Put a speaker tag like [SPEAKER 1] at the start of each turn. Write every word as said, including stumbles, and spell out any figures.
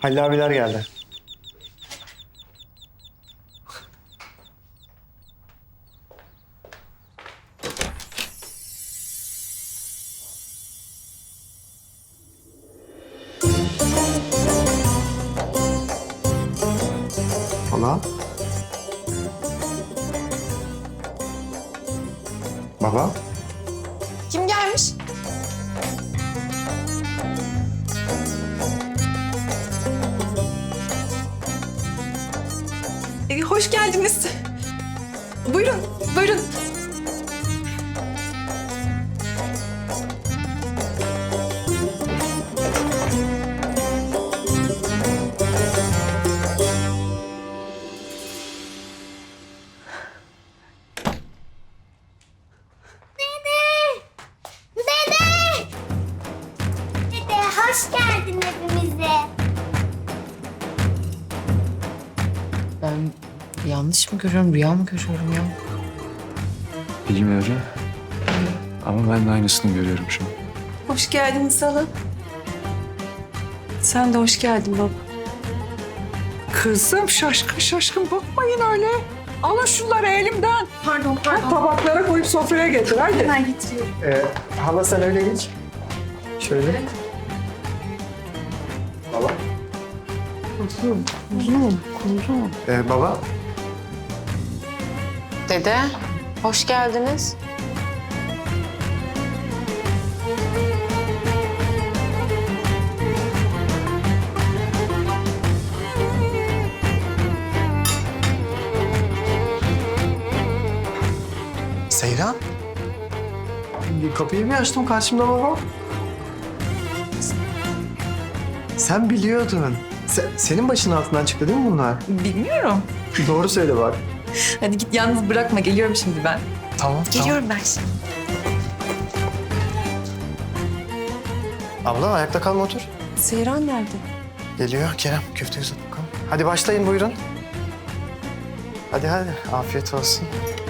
[SPEAKER 1] Halil abiler geldi. Hala? Baba?
[SPEAKER 2] Kim gelmiş? Ee, hoş geldiniz. Buyurun, buyurun.
[SPEAKER 3] Dede hoş geldin hepimize.
[SPEAKER 4] Ben yanlış mı görüyorum, rüya mı görüyorum ya?
[SPEAKER 5] Bilmiyorum. Ama ben de aynısını görüyorum şu an.
[SPEAKER 2] Hoş geldiniz hala. Sen de hoş geldin baba.
[SPEAKER 6] Kızım şaşkın şaşkın bakmayın öyle. Alın şunları elimden.
[SPEAKER 2] Pardon, pardon.
[SPEAKER 6] Tabaklara koyup sofraya getir hadi.
[SPEAKER 2] Hemen getiriyorum.
[SPEAKER 1] Ee, hala sen öyle geç. Şöyle. Baba.
[SPEAKER 4] Kuzum, kuzum, kuzum.
[SPEAKER 1] Ee, baba.
[SPEAKER 4] Dede, hoş geldiniz.
[SPEAKER 1] Seyran. Bir kapıyı bir açtım karşımda baba. Sen biliyordun. Se- senin başının altından çıktı değil mi bunlar?
[SPEAKER 2] Bilmiyorum.
[SPEAKER 1] Doğru söyle bak.
[SPEAKER 2] Hadi git yalnız bırakma. Geliyorum şimdi ben.
[SPEAKER 1] Tamam,
[SPEAKER 2] Geliyorum ben şimdi.
[SPEAKER 1] tamam. Abla ayakta kalma otur.
[SPEAKER 2] Seyran nerede?
[SPEAKER 1] Geliyor Kerem. Köfteyi uzat bakalım. Hadi başlayın buyurun. Hadi hadi. Afiyet olsun.